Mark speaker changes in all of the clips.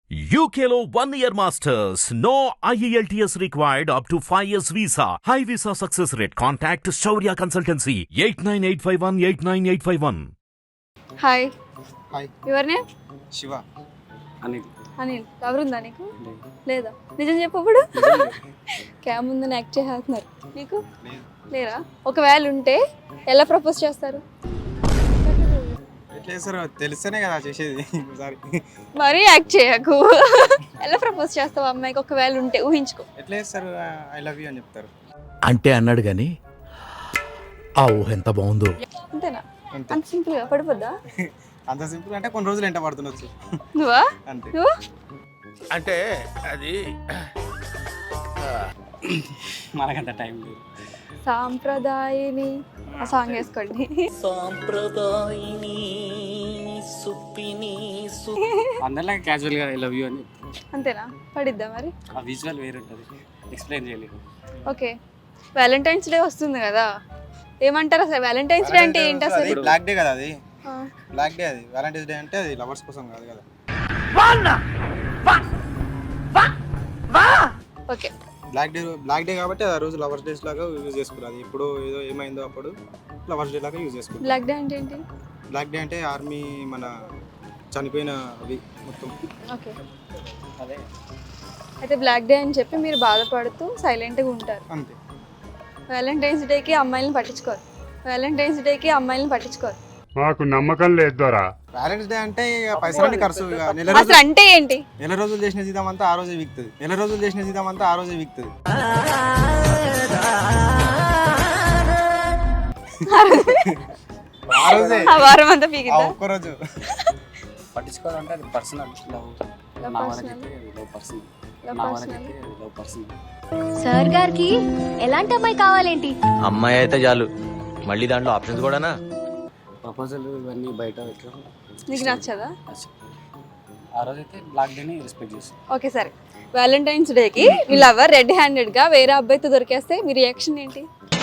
Speaker 1: UKLO 1 year masters. No IELTS required up to 5 years visa. High visa success rate. Contact Shaurya Consultancy 89851
Speaker 2: hi
Speaker 3: hi
Speaker 2: your name
Speaker 3: Shiva Anil
Speaker 2: Anil ఎవరుందా నీకు లేదా నిజం చెప్పప్పుడు cam ముందు act చేస్తున్నారు నీకు లేరా ఒకవేళ ఉంటే ఎలా ప్రపోజ్ చేస్తారు
Speaker 3: ఎట్లా చేస్తారో తెలిస్తేనే కదా చేసేది ఒకసారి
Speaker 2: మరీ యాక్ట్ చేయకు ఎలా ప్రపోజ్ చేస్తావు అమ్మాయికి ఒకవేళ ఉంటే ఊహించుకో
Speaker 3: ఎట్లా చేస్తారు ఐ లవ్ యూ అని చెప్తారు
Speaker 4: అంటే అన్నాడు కానీ ఆ ఊహ ఎంత బాగుందో.
Speaker 2: అంతేనా
Speaker 3: అంతే
Speaker 2: అంత సింపుల్ గా పడిపోద్దా
Speaker 3: అంత సింపుల్ అంటే కొన్ని రోజులు ఎంట పడుతుండొచ్చు
Speaker 2: నువ్వా
Speaker 3: అంతే
Speaker 2: నువ్వు
Speaker 4: అంటే అది
Speaker 5: మనకంత టైం లేదు.
Speaker 2: సాంప్రదాయని ఆ సాంగ్ వేసుకోండి
Speaker 5: అందరిలా క్యాజువల్గా ఐ లవ్ యూ అని
Speaker 2: అంతేనా పడిద్దా మరి
Speaker 5: ఆ విజువల్ వేరే ఉంటుంది, ఎక్స్ప్లెయిన్ చేయలేదు.
Speaker 2: ఓకే వ్యాలంటైన్స్ డే వస్తుంది కదా ఏమంటారు అసలు వ్యాలంటైన్స్ డే అంటే ఏంటి అసలు
Speaker 3: బ్లాక్ డే కదా అది
Speaker 2: ఆ,
Speaker 3: బ్లాక్ డే అది వ్యాలంటైన్స్ డే అంటే అది లవర్స్ కోసం కాదు కదా
Speaker 2: ఓకే
Speaker 3: బ్లాక్ డే కాబట్టి ఆ రోజు లవర్స్ డేస్ లాగా యూజ్ చేసుకున్నారు అది ఇప్పుడు ఏదో ఏమైందో అప్పుడు లవర్స్ డే లాగా యూజ్ చేసుకున్నారు
Speaker 2: బ్లాక్ డే అంటే ఏంటి
Speaker 3: బ్లాక్ డే అంటే ఆర్మీ మన చనిపోయిన అవి మొత్తం
Speaker 2: ఓకే
Speaker 5: అదే
Speaker 2: అయితే బ్లాక్ డే అని చెప్పి మీరు బాధపడుతూ సైలెంట్గా ఉంటారు
Speaker 3: అంతే
Speaker 2: వ్యాలంటైన్స్ డేకి అమ్మాయిలను పట్టించుకోరు వ్యాలంటైన్స్ డేకి అమ్మాయిలను పట్టించుకోరు
Speaker 6: మాకు నమ్మకం లేదు దొరా.
Speaker 3: వ్యాలంటైన్స్ డే అంటే ఇక పైసలన్నీ ఖర్చు ఇక నెల
Speaker 2: అసలు అంటే ఏంటి
Speaker 3: రోజులు చేసిన జీతం అంతా ఆ రోజే విక్తుంది ఆ రోజే విక్తుంది ఆ రోజే
Speaker 2: ఆ వారం అంతా
Speaker 3: ఆ
Speaker 2: పీకిద్దా
Speaker 3: ఒక్కరోజు
Speaker 5: పట్టించుకోవాలంటే అది పర్సనల్ లవ్.
Speaker 2: Love
Speaker 5: నా
Speaker 2: personal.
Speaker 5: వరకైతే అది లవ్ పర్సనల్,
Speaker 2: Love
Speaker 5: నా
Speaker 2: personal.
Speaker 5: వరకైతే అది లవ్ పర్సనల్.
Speaker 7: సార్ గారికి ఎలాంటి అమ్మాయి కావాలేంటి?
Speaker 4: అమ్మాయి అయితే చాలు, మళ్ళీ దాంట్లో ఆప్షన్స్ కూడానా?
Speaker 5: ప్రపోజల్ ఇవన్నీ బయట ఎట్లా
Speaker 2: నీకు నచ్చదా
Speaker 5: ఆ రోజైతే బ్లాక్ డేని రెస్పెక్ట్ చేస్తాను.
Speaker 2: ఓకే సరే వ్యాలంటైన్స్ డేకి మీ లవర్ రెడ్ హ్యాండెడ్గా వేరే అబ్బాయితో దొరికేస్తే మీ రియాక్షన్ ఏంటి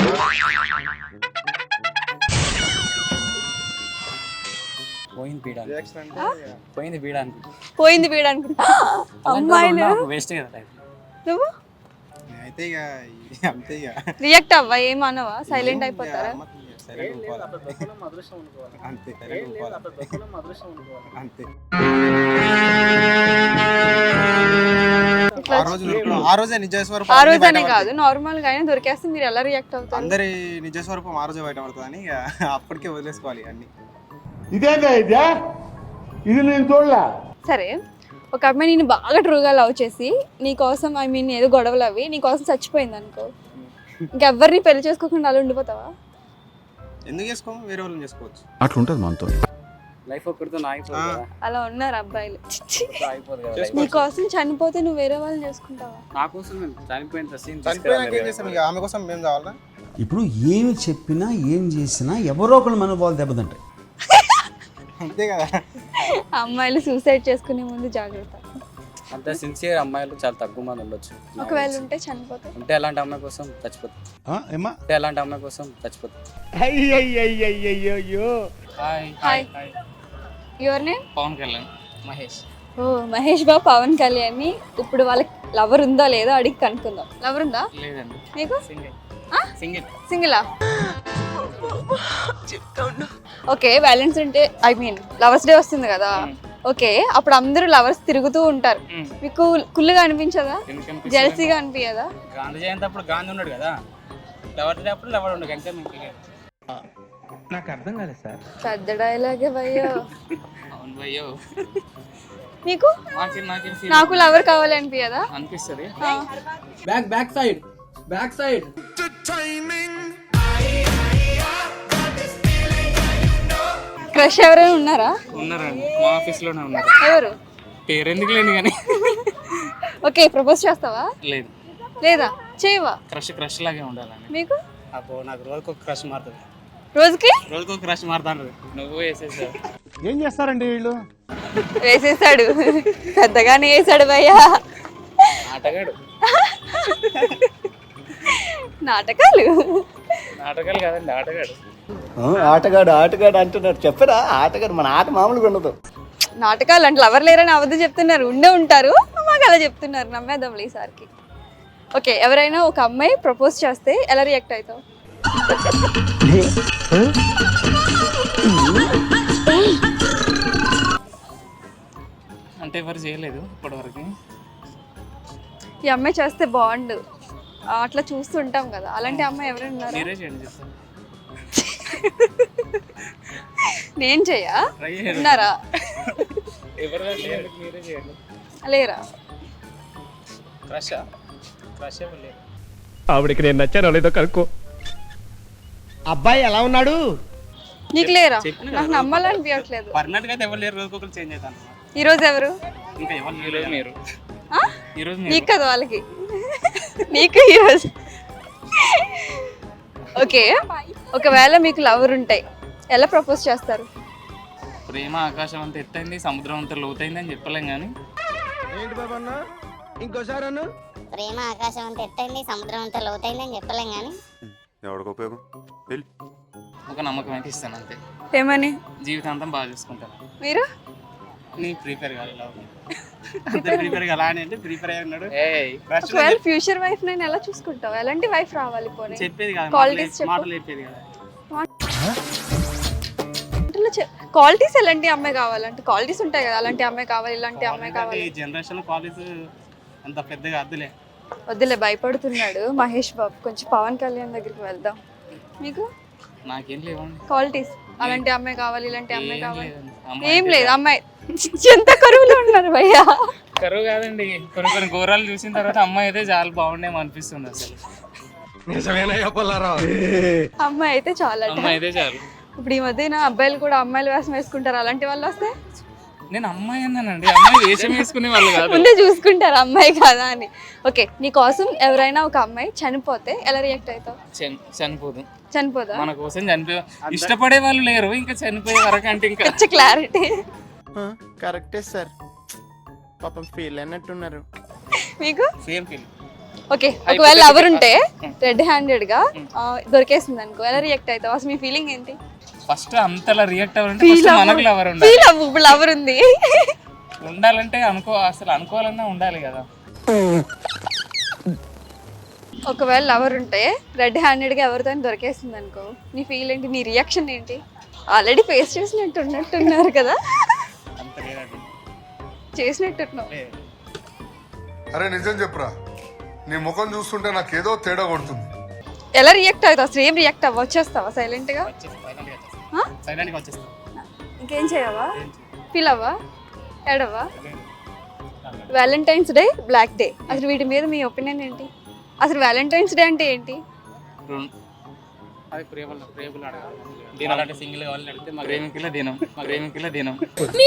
Speaker 5: పోయింది పీడానికి,
Speaker 3: రియాక్షన్ అంటే
Speaker 5: పోయింది పీడానికి.
Speaker 2: పోయింది వీడు అనుకుంటా అమ్మాయిలు
Speaker 5: వేస్ట్ కదా టైం.
Speaker 2: నువ్వు
Speaker 3: అయితే ఇక అంతే ఇక
Speaker 2: రియాక్ట్ అవ్వా ఏమనవా సైలెంట్ అయిపోతారా
Speaker 3: సైలెంట్ ఉండిపోవాలి. అంతే సైలెంట్ ఉండిపోవాలి. అంతే
Speaker 2: ఇట్లా
Speaker 3: ఆ రోజే నిజ స్వరూపం
Speaker 2: ఆ
Speaker 3: అన్నీ
Speaker 2: రోజనే
Speaker 3: బయటపడతాయి.
Speaker 2: కాదు నార్మల్ గా అయినా దొరికేస్తే మీరు ఎలా రియాక్ట్ అవుతారు
Speaker 3: అందరి నిజ స్వరూపం ఆ రోజే బయట పడుతుందని ఇక అప్పటికే వదిలేసుకోవాలి అన్ని.
Speaker 6: ఇదేందా ఇదే? ఇది నేను చూడలే.
Speaker 2: సరే ఒక అమ్మాయి నేను బాగా ట్రూగా లవ్ చేసి నీకోసం ఐ మీన్ ఏదో గొడవలు అవి నీకోసం చచ్చిపోయింది అనుకో ఇంకెవ్వరిని పెళ్లి చేసుకోకుండా అలా ఉండిపోతావా
Speaker 3: ఎందుకు చేసుకోము వేరే వాళ్ళని చేసుకోవచ్చు.
Speaker 4: అట్లుంటది మనతో.
Speaker 5: లైఫ్ ఒక్కడితో ఆగిపోదు కదా,
Speaker 2: అలా ఉన్నారు అబ్బాయిలు చిచ్చి.
Speaker 5: ఆగిపోదు కదా.
Speaker 3: చేసుకోవచ్చు.
Speaker 2: నీకోసం చనిపోతే నువ్వు వేరే వాళ్ళని చేసుకుంటావా
Speaker 5: నా కోసం నేను చనిపోయిన సీన్
Speaker 3: చనిపోయినాక ఏం చేస్తాం ఇక ఆమె కోసం మేము కావాలా
Speaker 8: ఇప్పుడు ఏమి చెప్పినా ఏం చేసినా ఎవరో ఒకళ్ళు మనోభావాలు దెబ్బతింటాయి.
Speaker 3: అంతే కదా.
Speaker 2: అమ్మాయిలు సూసైడ్ చేసుకునే ముందు జాగ్రత్త
Speaker 5: అంత సిన్సియర్ అమ్మాయిలు చాలా తక్కువ మంది ఉండొచ్చు.
Speaker 2: ఒకవేళ ఉంటే చనిపోతే
Speaker 5: ఉంటే అలాంటి అమ్మాయి కోసం చచ్చిపోతుంది,
Speaker 6: ఏమా?
Speaker 5: ఉంటే అలాంటి అమ్మాయి కోసం చచ్చిపోతుంది.
Speaker 6: అయ్యయ్యయ్యయ్యో.
Speaker 5: Hi
Speaker 2: hi your name
Speaker 5: Pawan Kalyan Mahesh.
Speaker 2: ఓ మహేష్ బాబు పవన్ కళ్యాణ్ ని ఇప్పుడు వాళ్ళకి లవర్ ఉందా లేదో అడిగి కనుక్కుందాం లవర్ ఉందా
Speaker 5: లేదండి,
Speaker 2: నీకు
Speaker 5: సింగిల్
Speaker 2: ఆ?
Speaker 5: సింగిల్.
Speaker 2: సింగిలా ఓకే వ్యాలెన్స్ అంటే ఐ మీన్ లవర్స్ డే వస్తుంది కదా ఓకే అప్పుడు అందరూ లవర్స్ తిరుగుతూ ఉంటారు మీకు కుళ్ళుగా అనిపించదా జెలసీగా అనిపించదా
Speaker 5: గాంధీ జయంతి అప్పుడు గాంధీ ఉన్నాడు కదా, లవర్ డే అప్పుడు లవర్ ఉండడు అంతే. మీకు
Speaker 2: పెద్ద డైలాగే భయ్యో
Speaker 5: అవును భయ్యో,
Speaker 2: నీకు
Speaker 5: నాకేం
Speaker 2: నాకు లవర్ కావాలి అనిపించదా
Speaker 5: అనిపిస్తుంది.
Speaker 2: క్రష్ ఎవరైనా ఉన్నారా
Speaker 5: ఉన్నారండి, మా ఆఫీస్ లోనే ఉన్నారు.
Speaker 2: ఎవరు
Speaker 5: పేరు ఎందుకు లేదు కానీ
Speaker 2: ఓకే ప్రపోజ్ చేస్తావా
Speaker 5: లేదు,
Speaker 2: లేదా చేయవా
Speaker 5: క్రష్ లాగే ఉండాలని.
Speaker 2: మీకు
Speaker 5: అబ్బో నాకు రోజుకు ఒక క్రష్ మారుతుంది,
Speaker 2: రోజుకి
Speaker 5: రోజుకు ఒక క్రష్ మారుతాను. నువ్వు వేసేసావు.
Speaker 6: ఏం చేస్తారండి వీళ్ళు?
Speaker 2: వేసేసాడు పెద్దగానే వేసాడు భయ్యా
Speaker 5: ఆటగాడు,
Speaker 2: నాటకాలు
Speaker 5: నాటకాలు కాదండి ఆటగాడు.
Speaker 8: ఆటగాడు అంటున్నారు చెప్పరా? ఆటగాడు మన ఆట మామూలుగా ఉండదు.
Speaker 2: నాటకాలు అంటే లవర్ లేరని అబద్ధం చెప్తున్నారు, ఉండే ఉంటారు, మాకు అలా చెప్తున్నారు, నమ్మేద్దాం ఈసారికి. ఓకే, ఎవరైనా ఒక అమ్మాయి ప్రపోజ్ చేస్తే ఎలా రియాక్ట్ అవుతావు?
Speaker 5: అంటే ఎవరు చేయలేదు ఇప్పటివరకు.
Speaker 2: ఈ అమ్మాయి చేస్తే బాగుండు అట్లా చూస్తుంటాం కదా, అలాంటి అమ్మాయి ఎవరైనా ఉన్నారా?
Speaker 5: మీరే చేయండి చెప్తాను.
Speaker 2: నేను చెయ్యా?
Speaker 5: Try చేయండి.
Speaker 2: ఉన్నారా?
Speaker 5: ఎవరు చేయండి, మీరే చేయండి.
Speaker 2: లేరా?
Speaker 5: క్రష్ ఎవరు లేరు.
Speaker 9: ఆవిడకి నేను నచ్చానో లేదో కనుక్కో.
Speaker 6: అబ్బాయి ఎలా ఉన్నాడు?
Speaker 2: నీకు లేరా?
Speaker 5: చెప్పిన
Speaker 2: నాకు నమ్మాలనిపించట్లేదు.
Speaker 5: పర్మనెంట్ గా అయితే ఎవరు లేరు, రోజుకొకరు చేంజ్ అవుతాను.
Speaker 2: ఈ రోజు ఎవరు?
Speaker 5: ఇంకా ఎవరు ఈరోజు మీరు,
Speaker 2: ఆ?
Speaker 5: ఈరోజు
Speaker 2: నీకు కదా వాళ్ళకి, నీకు ఈరోజు. ఓకే, ఒకవేళ మీకు లవర్ ఉంటాయి ఎలా ప్రపోజ్ చేస్తారు?
Speaker 5: ప్రేమ ఆకాశం అంత ఎత్తైంది, సముద్రం అంత లోతైంది అని చెప్పలేం కానీ
Speaker 6: ఏంటి బాబన్న ఇంకోసారి అన్న
Speaker 10: ప్రేమ ఆకాశం అంత ఎత్తైంది, సముద్రం అంత లోతైంది అని చెప్పలేం కానీ
Speaker 11: ఎవరికి ఉపయోగం వెళ్ళి
Speaker 5: ఒక నమ్మకం అయితే ఇస్తాను అంతే.
Speaker 2: ఏమని?
Speaker 5: జీవితాంతం బాగా చూసుకుంటాను.
Speaker 2: మీరు?
Speaker 5: నీ ప్రిపేర్ కాదు అంత ప్రిపేర్ కాదు అని అంటే ప్రిపేర్ అయ్యి ఉన్నాడు.
Speaker 2: ఒకవేళ ఫ్యూచర్ వైఫ్ నేను ఎలా చూసుకుంటావు? ఎలాంటి వైఫ్ రావాలి? పోనీ
Speaker 5: చెప్పేది కాదు,
Speaker 2: Qualities చెప్పు.
Speaker 5: మాటలు చెప్పేది కదా.
Speaker 2: క్వాలిటీస్ ఎలాంటి అమ్మాయి కావాలంటే క్వాలిటీస్ ఉంటాయి కదా, అలాంటి అమ్మాయి కావాలి, ఇలాంటి అమ్మాయి కావాలి.
Speaker 5: ఈ జనరేషన్ కాలేజ్ అంత పెద్దగా అద్దులే.
Speaker 2: వద్దులే, భయపడుతున్నాడు మహేష్ బాబు. కొంచెం పవన్ కళ్యాణ్ దగ్గరికి వెళ్దాం. మీకు
Speaker 5: నాకేం లేవండి
Speaker 2: క్వాలిటీస్ అలాంటి అమ్మాయి కావాలి, ఇలాంటి అమ్మాయి కావాలి?
Speaker 5: లేదండి.
Speaker 2: ఏం లేదు. అమ్మాయి ఎంత కరువులో ఉన్నారు భయ్యా.
Speaker 5: కరువు కాదండి, కొన్ని ఘోరాలు చూసిన తర్వాత అమ్మాయి అయితే చాలా బాగుండేమో అనిపిస్తుంది అసలు.
Speaker 6: నిజమేనయ్యా పుల్లారావు.
Speaker 2: అమ్మాయి అయితే చాలా.
Speaker 5: అమ్మాయి అయితే చాలు.
Speaker 2: ఇప్పుడు ఈ మధ్యన అబ్బాయిలు కూడా అమ్మాయిలు వేషం వేసుకుంటారు, అలాంటి వాళ్ళు వస్తే
Speaker 5: నేను అమ్మాయి అన్నానండి, అమ్మాయి వేషం వేసుకునే వాళ్ళు కాదు.
Speaker 2: ముందే చూసుకుంటారు అమ్మాయి కాదా అని. ఓకే, నీ కోసం ఎవరైనా ఒక అమ్మాయి చనిపోతే ఎలా రియాక్ట్ అవుతావు?
Speaker 5: చనిపోదు.
Speaker 2: చనిపోదా?
Speaker 5: మన కోసం చనిపోయే ఇష్టపడే వాళ్ళు లేరు, ఇంకా చనిపోయే వరకు అంటే ఇంకా
Speaker 2: పిచ్చ క్లారిటీ.
Speaker 9: కరెక్టే సార్, పాపం ఫీల్ అన్నట్టున్నారు.
Speaker 2: మీకు?
Speaker 5: Same feel.
Speaker 2: ఓకే, ఒకవేళ లవర్ ఉంటే రెడ్ హ్యాండెడ్ గా దొరికేసింది అనుకో, ఎలా రియాక్ట్ అవుతావు? అసలు మీ ఫీలింగ్ ఏంటి?
Speaker 5: ఫస్ట్ అంతలా రియాక్ట్ అవ్వాలంటే ఫస్ట్ మనకు లవర్ ఉండాలి.
Speaker 2: ఫీల్ అవ్వు, ఇప్పుడు లవర్ ఉంది
Speaker 5: ఉండాలంటే అసలు అనుకోవాలన్నా ఉండాలి కదా.
Speaker 2: ఒకవేళ లవర్ ఉంటే రెడ్ హ్యాండెడ్ గా ఎవరితో దొరికేసింది అనుకో, నీ ఫీల్ ఏంటి? నీ రియాక్షన్ ఏంటి? ఆల్రెడీ ఫేస్ చేసినట్టున్నారు కదా.
Speaker 5: అంత లేదండి.
Speaker 2: చేసినట్టున్నావు.
Speaker 11: అరే నిజం చెప్పురా, నీ ముఖం చూస్తుంటే నాకేదో తేడా కొడుతుంది.
Speaker 2: ఎలా రియాక్ట్ అవుతావు? అసలు ఏం రియాక్ట్ అవ్వ? వచ్చేస్తావా సైలెంట్ గా?
Speaker 5: సైలెంట్ గా వచ్చేస్తా.
Speaker 2: ఇంకేం చేయవా? ఫీల్ అవ్వా? ఏడవా? వ్యాలంటైన్స్ డే, బ్లాక్ డే, అసలు వీటి మీద మీ ఒపీనియన్ ఏంటి? అసలు వ్యాలంటైన్స్ డే అంటే ఏంటి?
Speaker 5: అది ప్రేమలు అడగాలి. దినాలు అంటే సింగిల్ కావాలని అడిగితే మా ప్రేమికుల దినం.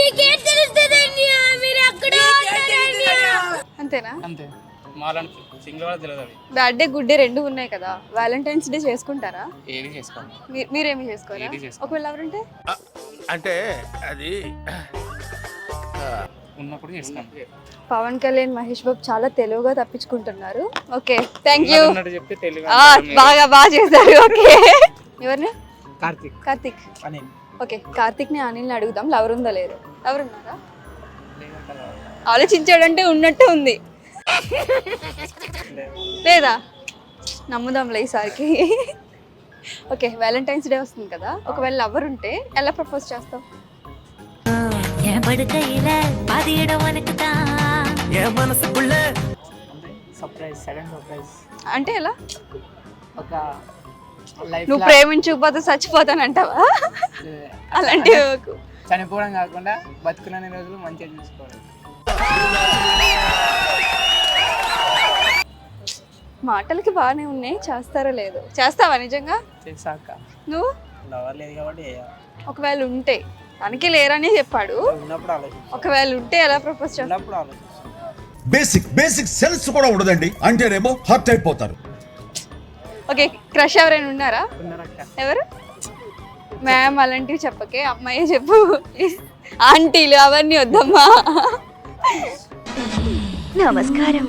Speaker 2: అంతేనా?
Speaker 5: అంతే, మాలాంటి సింగిల్ వాళ్ళకి తెలియదు. అవి
Speaker 2: బ్యాడ్ డే, గుడ్ డే రెండు ఉన్నాయి కదా, వ్యాలంటైన్స్ డే చేసుకుంటారా?
Speaker 5: ఏది చేసుకోండి.
Speaker 2: మీరేమి చేసుకోరా?
Speaker 5: ఏది చేసుకోను.
Speaker 2: ఒకవేళ ఎవరుంటే
Speaker 4: అంటే అది
Speaker 5: ఉన్నప్పుడు చేసుకోండి.
Speaker 2: పవన్ కళ్యాణ్, మహేష్ బాబు చాలా తెలుగుగా తప్పించుకుంటున్నారు. Okay, thank you.
Speaker 5: ఉన్నట్టు చెప్తే తెలుగు
Speaker 2: బాగా చేశారు. ఓకే, ఎవరిని? కార్తిక్.
Speaker 5: అని
Speaker 2: ఓకే, కార్తిక్ ని అనిల్ని అడుగుదాం, లవర్ ఉందా లేదు? లవర్ ఉన్నారా? ఆలోచించాడంటే ఉన్నట్టే ఉంది. లేదా? నమ్ముదాంలే ఈసారికి. ఓకే, వ్యాలంటైన్స్ డే వస్తుంది కదా, ఒకవేళ లవర్ ఉంటే ఎలా ప్రపోజ్ చేస్తావు?
Speaker 5: Surprise, sudden surprise.
Speaker 2: అంటే ఎలా?
Speaker 5: ఒక లైఫ్
Speaker 2: నువ్వు ప్రేమించకపోతే చచ్చిపోతానంటావా? అలాంటివి
Speaker 5: చనిపోవడం కాకుండా బతుకునే రోజులు మంచిగా చూసుకోవాలి.
Speaker 2: మాటలకి బాగానే ఉన్నాయి, చేస్తారో లేదు? చేస్తావా నిజంగా?
Speaker 5: చేసాక
Speaker 2: నువ్వు?
Speaker 5: లవర్ లేదు కాబట్టి
Speaker 2: ఒకవేళ ఉంటే, తనకి లేరని చెప్పాడు,
Speaker 5: ఉన్నప్పుడు ఆలోచించు.
Speaker 2: ఒకవేళ ఉంటే ఎలా ప్రపోజ్ చేస్తావు?
Speaker 5: ఉన్నప్పుడు ఆలోచించు.
Speaker 8: బేసిక్ సెన్స్ కూడా ఉండదండి అంటేనేమో హర్ట్ అయిపోతారు.
Speaker 2: ఓకే, క్రష్ ఎవరైనా ఉన్నారా?
Speaker 5: ఉన్నారక్క.
Speaker 2: ఎవరు? మ్యామ్ అలాంటివి చెప్పకే, అమ్మాయి చెప్పు. ఆంటీలు అవన్నీ వద్దమ్మా.
Speaker 7: నమస్కారం.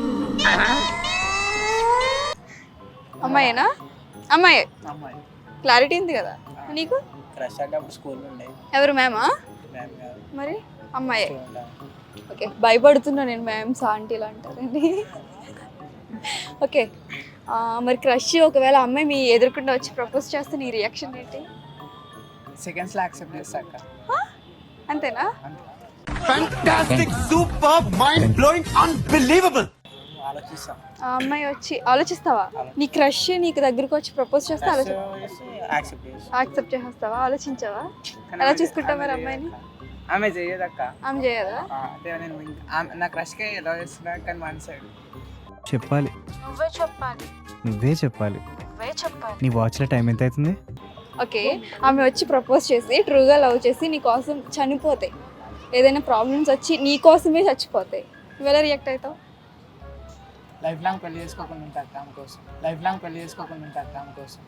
Speaker 2: అమ్మాయేనా? అమ్మాయి.
Speaker 5: అమ్మాయి
Speaker 2: క్లారిటీ ఉంది కదా నీకు?
Speaker 5: క్రష్ అంటే అప్పుడు స్కూల్లో ఉండే.
Speaker 2: ఎవరు? మ్యామా?
Speaker 5: మ్యామ్ కాదు.
Speaker 2: మరి అమ్మాయి. ఓకే, భయపడుతున్నా నేను మ్యామ్స్ ఆంటీలు అంటారండి. ఓకే, మరి క్రష్ ఒకవేళ అమ్మాయి మీ ఎదురుకుండా వచ్చి ప్రపోజ్ చేస్తే నీ రియాక్షన్ ఏంటి?
Speaker 5: సెకండ్స్లో యాక్సెప్ట్ చేస్తా అక్క.
Speaker 2: అంతేనా?
Speaker 5: ఆలోచిస్తాం.
Speaker 2: ఆ అమ్మాయి వచ్చి ఆలోచిస్తావా? నీ క్రష్ నీకు దగ్గరకు వచ్చి ప్రపోజ్ చేస్తే
Speaker 5: యాక్సెప్ట్ చేస్తా.
Speaker 2: యాక్సెప్ట్ చేస్తావా? ఆలోచించావా? ఎలా చూసుకుంటావు మరి అమ్మాయిని?
Speaker 5: ఆమె చేయదక్క.
Speaker 2: ఆమె చేయదా?
Speaker 5: అంటే నేను నా క్రష్కే ఎలా చేస్తున్నా కానీ వన్ సైడ్
Speaker 12: చెప్పాలి.
Speaker 2: నువ్వే చెప్పాలి.
Speaker 12: నువ్వే చెప్పాలి.
Speaker 2: నువ్వే చెప్పాలి.
Speaker 12: నీ వాచ్లో టైం ఎంత అవుతుంది?
Speaker 2: ఓకే, ఆమె వచ్చి ప్రపోజ్ చేసి ట్రూగా లవ్ చేసి నీ కోసం చనిపోతాయి, ఏదైనా ప్రాబ్లమ్స్ వచ్చి నీ కోసమే చచ్చిపోతాయి, నువ్వు ఎలా రియాక్ట్ అవుతావు?
Speaker 5: లైఫ్ లాంగ్ పెళ్లి చేసుకోకుండా ఉంటా అక్క ఆమె కోసం. లైఫ్ లాంగ్ పెళ్లి చేసుకోకుండా ఉంటా అక్క ఆమె కోసం.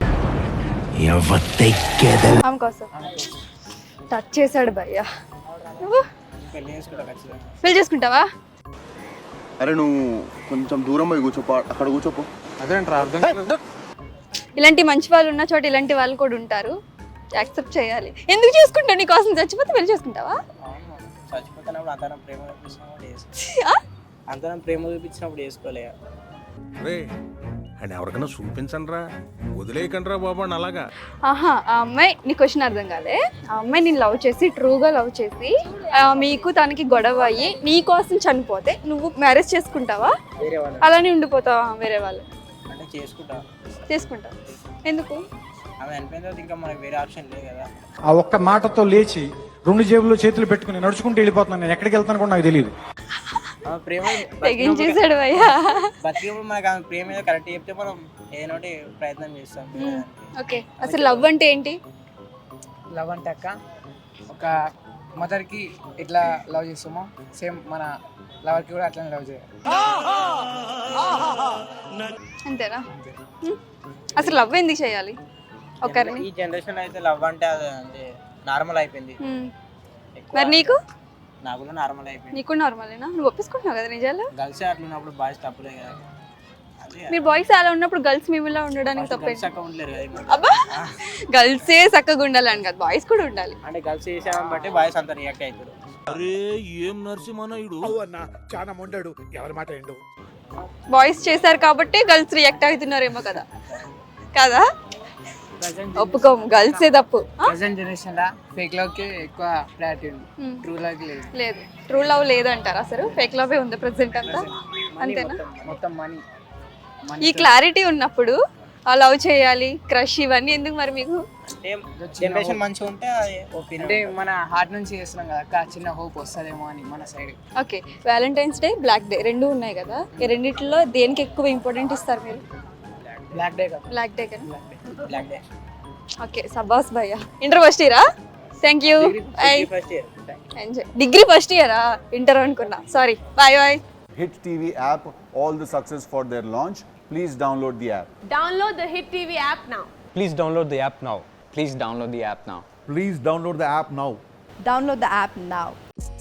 Speaker 2: ఆమె కోసం టచ్ చేశాడు భయ్యా. నువ్వు
Speaker 5: పెళ్లి చేసుకుంటా ఖచ్చితంగా.
Speaker 2: పెళ్లి చేసుకుంటావా?
Speaker 6: అరే నువ్వు కొంచెం దూరం పోయి కూర్చోపో, అక్కడ కూర్చోపో.
Speaker 3: అదేంట్రా అర్థం
Speaker 2: ఇలాంటి మంచి వాళ్ళు ఉన్న చోట ఇలాంటి వాళ్ళు కూడా ఉంటారు, యాక్సెప్ట్ చేయాలి. ఎందుకు చేసుకుంటావు? నీ కోసం చచ్చిపోతే పెళ్లి చేసుకుంటావా?
Speaker 5: చచ్చిపోతున్నప్పుడు అంతరం ప్రేమ చూపించినప్పుడు
Speaker 2: ఆ?
Speaker 5: అంతరం ప్రేమ చూపించినప్పుడు చేసుకోలే.
Speaker 4: రే అండ్ ఎవరికైనా చూపించండి రా, వదిలేయకండి రా బాబు అని అలాగా.
Speaker 2: ఆహా, ఆ అమ్మాయి నీ క్వశ్చన్ అర్థం కాలే. ఆ అమ్మాయి నేను లవ్ చేసి ట్రూగా లవ్ చేసి మీకు తనకి గొడవ అయ్యి నీ కోసం చనిపోతే నువ్వు మ్యారేజ్ చేసుకుంటావా?
Speaker 5: వేరే వాళ్ళు
Speaker 2: అలానే ఉండిపోతావా? వేరే వాళ్ళు
Speaker 5: అంటే చేసుకుంటా.
Speaker 2: చేసుకుంటావు. ఎందుకు?
Speaker 5: ఆమె చనిపోయిన తర్వాత ఇంకా మనకు వేరే ఆప్షన్ లేదు కదా.
Speaker 3: ఆ ఒక్క మాటతో లేచి 2 జేబుల్లో చేతులు పెట్టుకుని నడుచుకుంటూ వెళ్ళిపోతున్నాను. నేను ఎక్కడికి వెళ్తాను కూడా నాకు తెలియదు.
Speaker 5: ఆమె ప్రేమ
Speaker 2: తెగించేశాడు భయ్యా.
Speaker 5: బతికినప్పుడు మనకు ఆమె ప్రేమ ఏదో కరెక్ట్ చెప్తే మనం ఏదో ఒకటి ప్రయత్నం చేస్తాం.
Speaker 2: ఓకే, అసలు లవ్ అంటే ఏంటి?
Speaker 5: లవ్ అంటే అక్క ఒక మదర్కి ఎట్లా లవ్ చేస్తామో సేమ్ మన లవర్కి కూడా అట్లనే లవ్ చేయాలి.
Speaker 2: అంతేనా? అసలు లవ్ ఎందుకు చేయాలి ఒకరిని?
Speaker 5: ఈ జనరేషన్ అయితే లవ్ అంటే అది అంటే నార్మల్ అయిపోయింది.
Speaker 2: మరి నీకు?
Speaker 5: నాకు కూడా నార్మల్ అయిపోయింది.
Speaker 2: నీకు నార్మలేనా? నువ్వు ఒప్పేసుకుంటున్నావు కదా నిజాలు?
Speaker 5: గర్ల్స్ అట్లా ఉన్నప్పుడు బాయ్స్ తప్పులే కదా.
Speaker 2: మీరు బాయ్స్ అలా ఉన్నప్పుడు గర్ల్స్ మేమిలా ఉండడానికి తప్పే.
Speaker 5: గర్ల్స్ అక్క ఉండలేరు కదా.
Speaker 2: అబ్బా, గర్ల్సే చక్కగా ఉండాలని కదా, బాయ్స్ కూడా ఉండాలి.
Speaker 5: అంటే గర్ల్స్ చేసామని బట్టి బాయ్స్ అంతా రియాక్ట్ అవుతారు.
Speaker 1: అరే ఏం నరసింహనాయుడు
Speaker 4: చాలా మొండాడు, ఎవరి మాట ఏండు.
Speaker 2: బాయ్స్ చేశారు కాబట్టి గర్ల్స్ రియాక్ట్ అవుతున్నారేమో కదా. కదా, ఒప్పుకోము, గర్ల్సే తప్పు.
Speaker 5: ప్రెసెంట్ జనరేషన్ లా ఫేక్ లవ్ కి ఎక్కువ ప్రయారిటీ ఉంది, ట్రూ లవ్ కి లేదు.
Speaker 2: లేదు, ట్రూ లవ్ లేదంటారు. అసలు ఫేక్ లవ్ ఉంది ప్రెసెంట్ అంతా. అంతేనా?
Speaker 5: మొత్తం మనీ.
Speaker 2: ఈ క్లారిటీ ఉన్నప్పుడు ఆ లవ్ చేయాలి, క్రష్ ఇవన్నీ ఎందుకు మరి మీకు?
Speaker 5: జనరేషన్ మంచిగా ఉంటే అంటే మన హార్ట్ నుంచి చేస్తున్నాం కదా అక్క, చిన్న హోప్ వస్తుందేమో అని మన side.
Speaker 2: Okay, valentine's day, black day రెండు ఉన్నాయి కదా, ఈ రెండిట్లో దేనికి ఎక్కువ ఇంపార్టెంట్ ఇస్తారు మీరు?
Speaker 5: బ్లాక్ డే కదా.
Speaker 2: బ్లాక్ డే కదా.
Speaker 5: Black day.
Speaker 2: ఓకే, సబాస్ భయ్యా. ఇంటర్ ఫస్ట్ ఇయరా? Thank you.
Speaker 5: First year
Speaker 2: enjoy. Degree first ఇయరా? ఇంటర్ అనుకున్నా, sorry. Bye bye.
Speaker 6: Hit TV app, all the success for their launch. Please download the app.
Speaker 7: Download the Hit TV app now.
Speaker 12: Please download the app now.
Speaker 9: Please download the app now.
Speaker 4: Please download the app now.
Speaker 7: Download the app now.